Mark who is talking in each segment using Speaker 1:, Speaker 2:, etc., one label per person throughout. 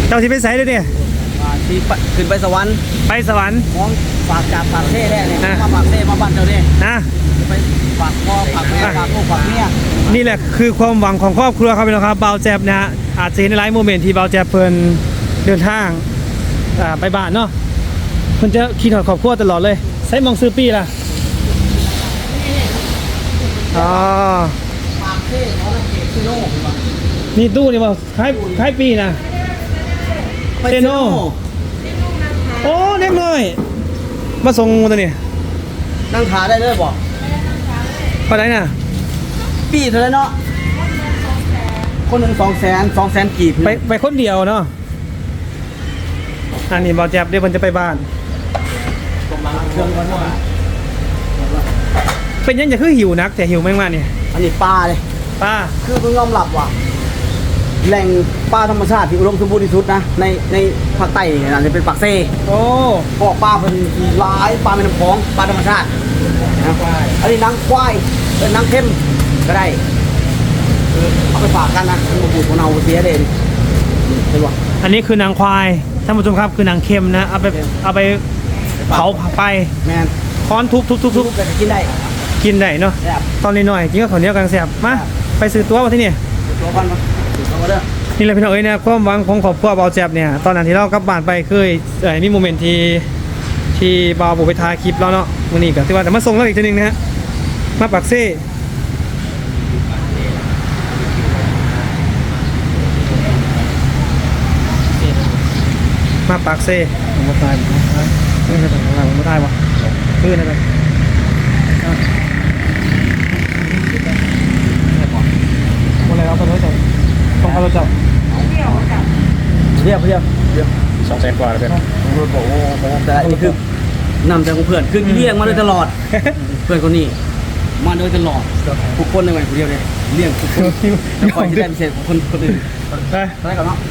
Speaker 1: เจ้าที่ไปไสเด้อเนี่ย
Speaker 2: ที่ขึ้นไปสวรรค์
Speaker 1: ไปสวรรค์
Speaker 2: ของฝากจากปากเท่ได้เนี่ยมาปากเท่มาบ้านเจ้าเนี่ย
Speaker 1: นะ
Speaker 2: ไปฝากพ่อฝากแม่ฝากลูกฝากเมีย
Speaker 1: นี่แหละคือความหวังของครอบครัวครับพี่น้องครับเบาแจ๊บนะฮะอาจจะเห็นในไลฟ์โมเมนต์ที่เบาแจ๊บเพิ่นเดินทางไปบ้านเนาะเพิ่นจะคิดถึงครอบครัวตลอดเลยใช้มองซื้อปีล่ะอ๋อ
Speaker 2: ปากเท่เขาเก็บซิโน่
Speaker 1: นี่ตู้นี่บ่คล้ายปีนะเซโนโอ้เล็กน้อยมาส่งตัวนี้
Speaker 2: นั่งขาได้เลยบอก
Speaker 1: เท่าไหร่น่ะ
Speaker 2: ปีเท่าไหร่เนาะคนหนึ่ง200,000กีบ
Speaker 1: ไปคนเดียวเนาะอันนี้บอลแจ็บเดี๋ยวมันจะไปบ้านเป็นยังจะคือหิวนักแต่หิวไม่มากเนี่ย
Speaker 2: อันนี้ปลาเลย
Speaker 1: ปลา
Speaker 2: คือเพิ่งยอมรับว่าแหล่งปลาธรรมชาติที่อุดมสมบูรณ์ที่สุดนะในภาคใต้นี่นะจะเป็นปากเซ่
Speaker 1: โอ้
Speaker 2: พวกปลาเป็นหลายปลาเป็นน้ำพองปลาธรรมชาตินะอันนี้นางควายเป็นนางเข้มก็ได้เอาไปฝากกันนะมันบูดของเราเสียเด่นเห็นป่ะ
Speaker 1: อันนี้คือนางควายท่านผู้ชมครับคือนางเข้มนะเอาไปเผาไป
Speaker 2: แมน
Speaker 1: ค้อนทุบ
Speaker 2: กิน
Speaker 1: ได้เนาะตอนนี้หน่อยจริงก็ขอเนี้ยกันแสบมาไปซื้อตัวมาที่นี่
Speaker 2: ตัวกันมาตัวกันเด้อ
Speaker 1: นี่แหละพี่น้องเอ้ยนะความหวังของครอบครัวเบาแจ็บเนี่ยตอนนั้นที่เรากลับบ้านไปเคยมีโมเมนต์ที่เบาบุไปถ่ายคลิปแล้วเนาะวันนี้ก็ที่ว่าแต่มาส่งเราอีกทีนึงนะฮะมาปักเซ่มาปากเซ่ผมไม่ตายไม่ใช่ผมไม่ตายวะขึ้นอะไรอะไรเอาไปรถจับต้องเอารถจับ
Speaker 2: เรียบ
Speaker 1: 200,000 กว่าเลยเป็น
Speaker 2: โอ้โหแต่นี่คือนำใจของเพื่อนคือเลี้ยงมาโดยตลอดเพื่อนคนนี้มาโดยตลอดทุกคนในวัยคนเดียวเลยเลี้ยงทุกคนแล้วคอยที่ได้พิเศษของคนอื่นได้ก่อนเนาะ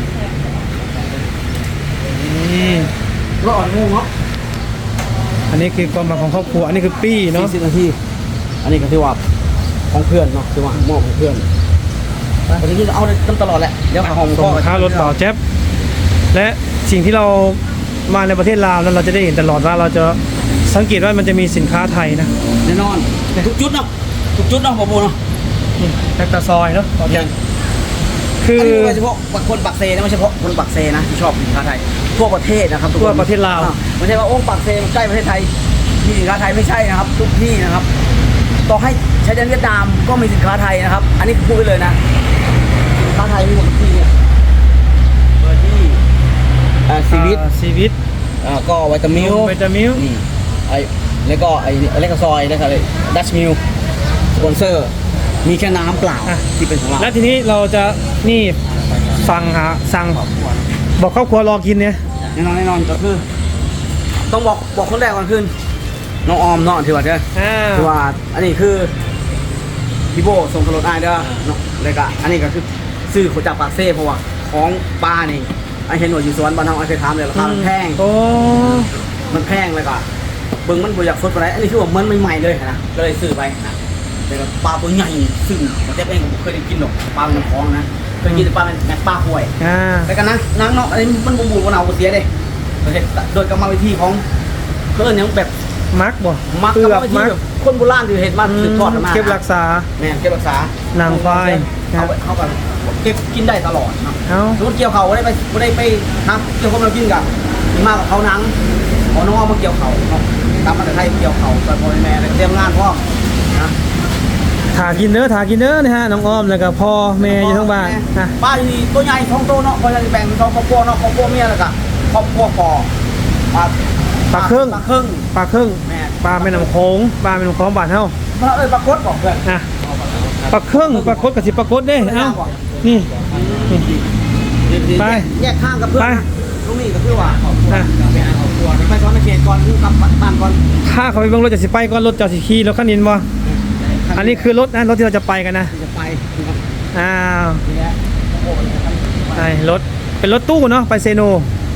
Speaker 2: รอดงูเนาะ
Speaker 1: อันนี้คือความหมายของครอบครัวอันนี้คือปี้เนาะ
Speaker 2: 40 นาทีอันนี้ก็ที่ว่าของเพื่อนเนาะที่ว่ามอบของเพื่อนวันนี้เอาตลอดแหละเดี๋ยวหอมก็
Speaker 1: ค้ารถต่อแจ๊บและสิ่งที่เรามาในประเทศลาวนั้นเราจะได้เห็นตลอดว่าเราจะสังเกตว่ามันจะมีสินค้าไทยนะ
Speaker 2: แน่นอนทุกจุดเนาะปะโบเนาะ
Speaker 1: แท็กตาซอยเนาะ
Speaker 2: คือไม่เฉพาะคนปักเซนะไม่เฉพาะคนปักเซนะที่ชอบสินค้าไทยทั่วประเทศนะครับ
Speaker 1: ทั่วประเทศลาว
Speaker 2: ไม่ใช่ว่าโอ้ปักเซใกล้ประเทศไทยมีสินค้าไทยไม่ใช่นะครับทุกที่นะครับต่อให้ชายแดนเวียดนามก็มีสินค้าไทยนะครับอันนี้พูดไปเลยนะสินค้าไทยมีหมดทุกที่เนี่ยเบอร์ดี้ซีวิตก็วิตามิลนี่แล้วก็เล็กซอยนะครับดัชมิลสปอนเซอร์มีแค่น้ำเปล่าที่เป็นของเรา
Speaker 1: แล้วทีนี้เราจะนี่สั่งบอกครอบครัวรอกินเนี่ย
Speaker 2: แน่นอนก็คือต้องบอกคนแรกก่อนขึ้นน้องออมเนาะถือว่าถือว่าอันนี้คือพี่โบส่งตลอดได้เด้อเนาะเลยก็อันนี้ก็คือซื้อขจากปากเซ่เพราะว่าของป้านี่ไอเห็นหน่วยอยู่สวนบ้านเราไอเคยถามเลยราคามันแพงมันแพงเลยก็เบิ้งมันบริจาคสดไปไหนอันนี้คือว่ามันใหม่ๆเลยนะก็เลยซื้อไปนะแต่ปลาตัวใหญ่ซึ่งผมเองผมเคยได้กินหรอกปลาเป็นท้องนะเคยกินแต่ปลาเป็นแมกปลาห่วยแต่กันนะนางเนาะอันนี้มันบูมเอาเสียเลยโดยกรรมวิธีของเพื่อนยังแบบ
Speaker 1: มักบ่
Speaker 2: มักกรรมวิธีแบบคนโบราณที่เห็นมาสืบทอดมา
Speaker 1: เก็บรักษา
Speaker 2: เนี่ยเก็บรักษาน
Speaker 1: างควาย
Speaker 2: เขาแบบเก็บกินได้ตลอดนะสมมติเกี่ยวเขาได้ไปนะเกี่ยวเขาเรากินกันมากกว่าเขานังขอน้องมาเกี่ยวเขาตามมาแต่ไทยเกี่ยวเขาตอนพ่อแม่เลยเตรียมงานพ่อนะ
Speaker 1: ถากินเนื้อนะฮะน้องอ้อมแล้วก็พ่อแม่อยู่ทั้งบ้าน
Speaker 2: ป้าอยู่นี่ตัวใหญ่ท้องโตเนาะพอจะแบ่งเป็นท้องครอบครัวเนาะครอบครัวเมียแล้วก็ครอบครัวป
Speaker 1: ปลาครึ่งปลาแม่น้ำโขงปลาแม่น้ำโขงบ้านเฮา
Speaker 2: ปลาคดบอกเพื่อน
Speaker 1: ปลาครึ่งปลาคดกับสิปลาคดเด้เอ้านี่ไป
Speaker 2: แยกข้างกับเพื่อนตรงนี้ก็คือว่าไปซ้อนในเขตก่อนกลับบ้านก่อน
Speaker 1: ถ้าเขาไปเบิ่งรถจะสิไปก่อนรถจะสิขี่รถคันนี้บ่อันนี้คือรถนะรถที่เราจะไปกันนะ
Speaker 2: จะไป
Speaker 1: อ้าวไอ้รถเป็นรถตู้เนาะไปเซโน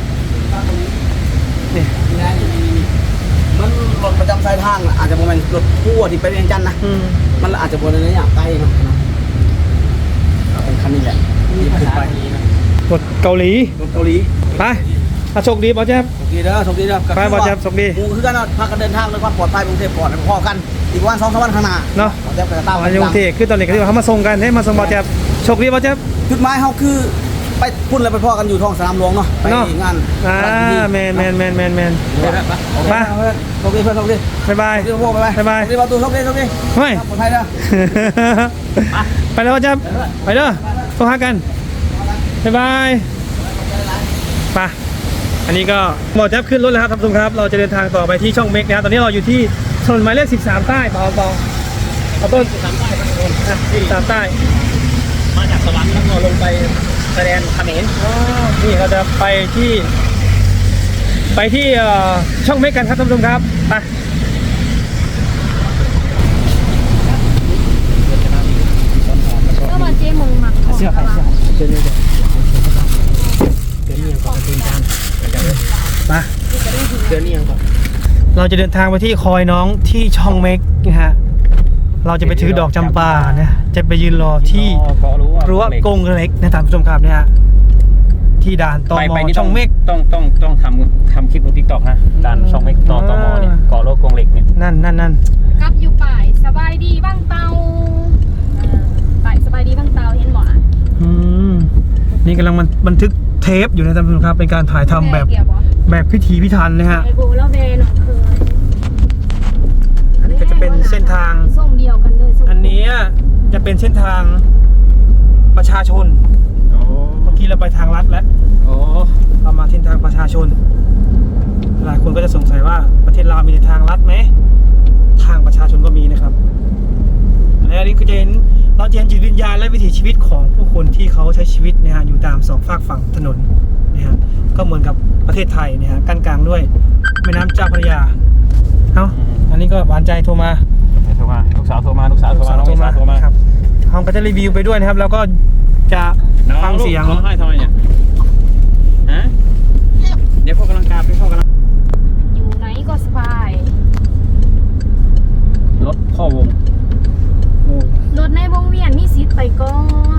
Speaker 2: นี่มันรถประจำสายทางอาจจะเป็นรถทั่วที่ไปเวียงจันทร์นะมันอาจจะบนในนี้อย่างใกล้เนาะเป็นคันนี้แหละที่ขึ้นไป
Speaker 1: รถเกาหลี
Speaker 2: รถเกาหลี
Speaker 1: ไปโชคดีบอแจ๊บ
Speaker 2: โชคดีเด้อโชคดีเด้อ
Speaker 1: ไปบ่แจ๊บโชคดี
Speaker 2: กูคือกันเนาะพากันเดินทางด้วยความปลอดภัยกรุงเทพก่อนแล้วพอกันอีกวัน2-3วันข้างหน้า
Speaker 1: เนาะ
Speaker 2: บ่แจ๊บก็จะตาม
Speaker 1: อ๋อยังเทคือตอนนี้ก็ที่ว่าเขามาส่งกันให้มาส่งบอแจ๊บโชคดีบอแจ๊บ
Speaker 2: จุดหมายเฮาคือไปพุ่นแล้วไปพอกันอยู่ท้องสนามหลวงเนาะไป
Speaker 1: เนาะ
Speaker 2: งาน
Speaker 1: แมน
Speaker 2: มาโชคดีเพื่อนโชคดี
Speaker 1: บ๊ายบาย
Speaker 2: โชคดีพวกบ๊ายบาย
Speaker 1: บ๊ายบาย
Speaker 2: โชคดีประตูโชคดีโชคดี
Speaker 1: เฮ้ย
Speaker 2: ปลอดภัยเด้อ
Speaker 1: ไปแล้วบอแจ๊บไปเด้อโทรหากันบ๊ายบายไปอันนี้ก็บอแจ๊บขึ้นรถแล้วครับท่านผู้ชมครับเราจะเดินทางต่อไปที่ช่องเมกนะครับตอนนี้เราอยู่ที่ถนนหมายเลข13ใต้เบาเอาต้น13ใต้13ใต้
Speaker 2: มาจากสวรรค์แล้วก็ลงไปแสดงเขมร
Speaker 1: นี่เราจะไปที่ช่องเมกกันครับท่านผู้ชมครับไป
Speaker 3: ก็มาเจ๊มึงหมักของ
Speaker 2: เสื้อใครเสื้อ
Speaker 1: เดี๋ยว
Speaker 2: เดือนนี้ยังก่อนเดินทาง
Speaker 1: มา
Speaker 2: เดือนนี้ยังก่อน
Speaker 1: เราจะเดินทางไปที่คอยน้องที่ช่องเมกนะฮะเราจะไปถือดอกจำปานะจะไปยืนรอที่รั้วกงเล็กนะท่านผู้ชมครับเนี่ยฮะที่ด่านตมช่องเมก
Speaker 4: ต้องทำคลิปลงทิกตอกนะด่านช่องเมกตมเนี่ยเกาะโลกกงเหล็กเนี่ย
Speaker 1: นั่น
Speaker 3: กับอยู่ป่ายสบายดีบ้างเตาป่ายสบายดีบ้างเตาเห็นหมอ
Speaker 1: นี่กำลังมันบันทึกเทปอยู่นะท่านผู้ชมครับเป็นการถ่ายทำแบบพิถีพิถันนะฮะ
Speaker 3: ไอโบแล้วเบนเคย
Speaker 1: อันนี้ก็จะเป็นเส้นทาง
Speaker 3: ส่งเดียวกันเลย
Speaker 1: อันนี้จะเป็นเส้นทางประชาชน
Speaker 4: โอ้
Speaker 1: เมื่อกี้เราไปทางลัดแล้ว
Speaker 4: โอ้
Speaker 1: เรามาเส้นทางประชาชนหลายคนก็จะสงสัยว่าประเทศลาวมีทางลัดไหมทางประชาชนก็มีนะครับและอันนี้ก็จะเห็นเราจะเห็นจิตวิญญาณและวิถีชีวิตของผู้คนที่เขาใช้ชีวิตนะฮะอยู่ตามสองฝากฝั่งถนนนะฮะก็เหมือนกับประเทศไทยนะฮะกั้นกลางด้วยแม่น้ำเจ้าพระยาเอ้าอันนี้ก็หวานใจโทรมา
Speaker 4: โทรมาลูกสาวโทรมาน้องเมษาโทรมา
Speaker 1: ครับเราก็จะรีวิวไปด้วยนะครับ แล้วก็จะฟังเสียง
Speaker 4: ร้องไห้ทำไมเนี่ยฮะเดี๋ยวพ่อกำลังกาไปพ่อกำลัง
Speaker 3: อยู่ไหนก็สบาย
Speaker 4: รถพ่อวง
Speaker 3: รถในวงเวียนมีสิทธิ์ไปก่อน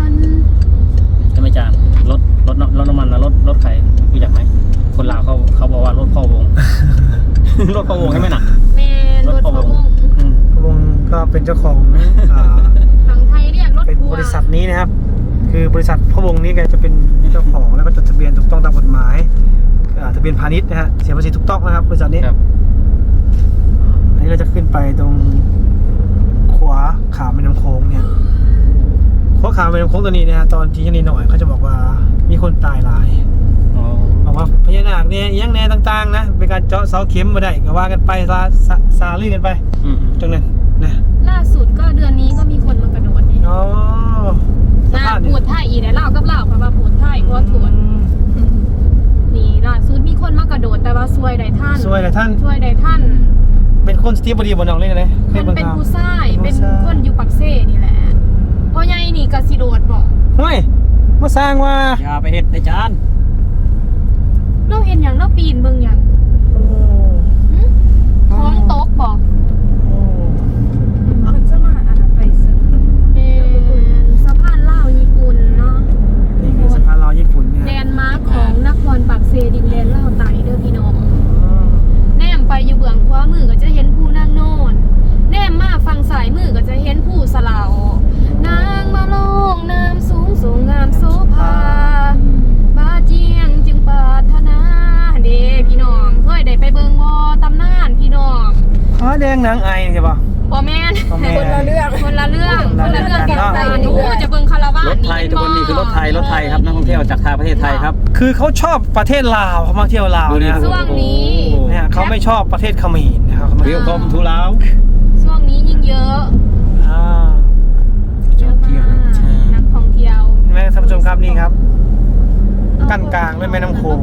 Speaker 4: จะไม่จานรถน้ำมันนะรถใครรู้จักไหมคนลาวเขาบอกว่ารถพ่อวง รถพ่อวงใช่ไหมน่ะ
Speaker 3: แม่รถพะวง
Speaker 1: วงก็เป็นเจ้าของ
Speaker 3: ฝั่งไทยเรียกรถ
Speaker 1: เป็น
Speaker 3: ทัว
Speaker 1: บริ
Speaker 3: ร์
Speaker 1: ษัทนี้นะครับ คือบริษัทพะวงนี้แกจะเป็นเจ้าของแล้วก็จดทะเบียนถูกต้องตามกฎหมายทะเบียนพาณิชย์นะฮะเสียภาษีถูกต้องนะครับบริษัทนี้
Speaker 4: ครับ
Speaker 1: อันนี้เราจะขึ้นไปตรงขวาขาแม่น้ำโขงเนี่ยขวาขาแม่น้ำโขงตัวนี้นะฮะตอนที่ยังนิดหน่อยเขาจะบอกว่ามีคนตายหลาย
Speaker 4: อ๋อ
Speaker 1: บอกว่าพญานาคเนี่ยยังแน่ต่างๆนะเป็นการเจาะเสาเข็มมาได้ก็ว่ากันไปซาลื่นกันไป
Speaker 4: อืม
Speaker 1: ตรงนั้นนะ
Speaker 3: ล่าสุดก็เดือนนี้ก็มีคนมากระโดดเนี่ย
Speaker 1: อ๋อ
Speaker 3: น่าพูดไทยอีกแล้วเล่ากับเล่าเพราะว่าพูดไทยเพราะว่าถวนนี่ล่าสุดมีคนมากระโดดแต่ว่าซวยใดท่าน
Speaker 1: สวยเลยท่าน
Speaker 3: ซวยใดท่าน
Speaker 1: เป็นคนสตีฟบอดีบนน้องเล่นเลย
Speaker 3: มันเป็นผู้ชาย
Speaker 1: ผู้
Speaker 3: เป็น
Speaker 1: ชาย
Speaker 3: คนอยู่ปักเซ่นี่แหละพ่อใหญ่นี่กสิโดดบอก
Speaker 1: เฮ้ยมาสร้างว่า
Speaker 4: อย่าไปเฮ็ดไอ้จาน
Speaker 3: เราเห็นอย่างเราปีนเบิ่งอย่าง
Speaker 1: โอ้
Speaker 3: หึท้องตกบอก
Speaker 1: โอ้
Speaker 3: มันจะมาอะไรไปซึ่งสะพานลาวญี่ปุ่นเนาะ
Speaker 1: นี่คือสะพานลาวญี่ปุ่นเนี่ย
Speaker 3: แลนด์มาร์คของนครปักเซดินแดนลาวไต่เด้อพี่น้องแนมไปอยู่เบื้องขวามือก็จะเห็นผู้นางโนนแนมมาฝั่งซ้ายมือก็จะเห็นผู้สลาวนางมาลงน้ำสูงสูงงามโสภาบาเจียงจึงปรารถนาเด้พี่น้องเคยได้ไปเบิ่งบ่ตำนานพี่น้อง
Speaker 1: อ๋อแดงนางไอใช่ปะ
Speaker 3: บ่แม่น
Speaker 1: บ่แม่น
Speaker 3: คนละเรื่องคนละเรื่อง
Speaker 1: คนละเรื่อง
Speaker 3: กัน
Speaker 1: เนาะ
Speaker 3: ไปหนูจะเบิ่งคาราวาน
Speaker 4: รถไทยทุกคนนี่คือรถไทยครับนักท่องเที่ยวจากทางประเทศไทยครับ
Speaker 1: คือเขาชอบประเทศลาวเขามาเที่ยวลาว
Speaker 4: ดูดิ
Speaker 1: เนี่ย
Speaker 3: ช่วงนี้
Speaker 1: เนี่ยเขาไม่ชอบประเทศเขมรนะครับเขาไม่
Speaker 4: เรียวกรมทุลาว
Speaker 3: ช่วงนี้ยิ่งเยอะ
Speaker 1: อ่า
Speaker 3: เยอะมากนักท่องเที่ยว
Speaker 1: เห็นไหมท่านผู้ชมครับนี่ครับ กั้นกลางด้วยแม่น้ำโขง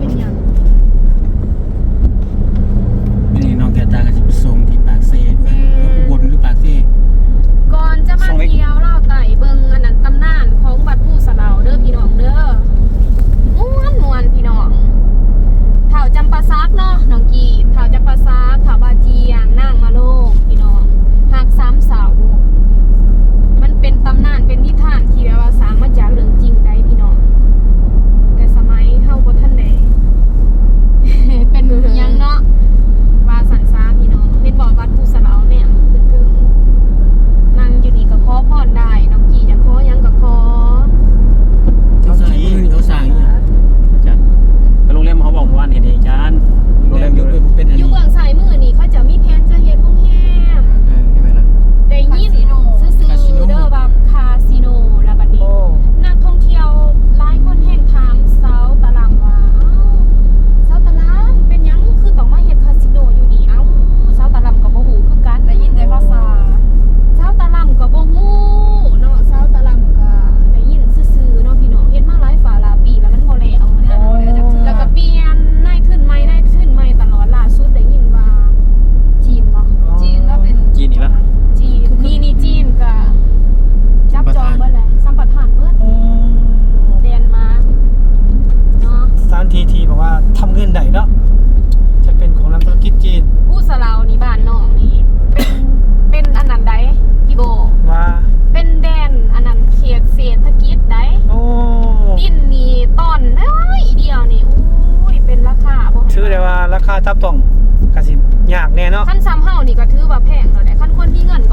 Speaker 2: นี่น้องแกตาก็จะไปส่งที่ปากเซ่อุบลหรือปากเซ่
Speaker 3: ก่อนจะมาเที่ยวเล่าไต่เบิ่งอันนั้นตำนานของบัดผู้สะเหลาเด้อพี่น้องเด้อม่วนพี่น้องเถ่าจำปาซักเนาะน้องกีเถ่าจำปาซักเถ่าบาเจียงนางมาโลกพี่น้องหัก3 เสามันเป็นตำนานเป็นนิทานที่แบบว่าสร้างมาจากเรื่องจริงได้พี่น้องแต่ส
Speaker 1: ค่าจับต้องกสิยากแน่เนาะ
Speaker 3: ขั้นซ้ำเฮานี่ก็ถือว่าแพงแล้วแหละขั้นคนมีเงิน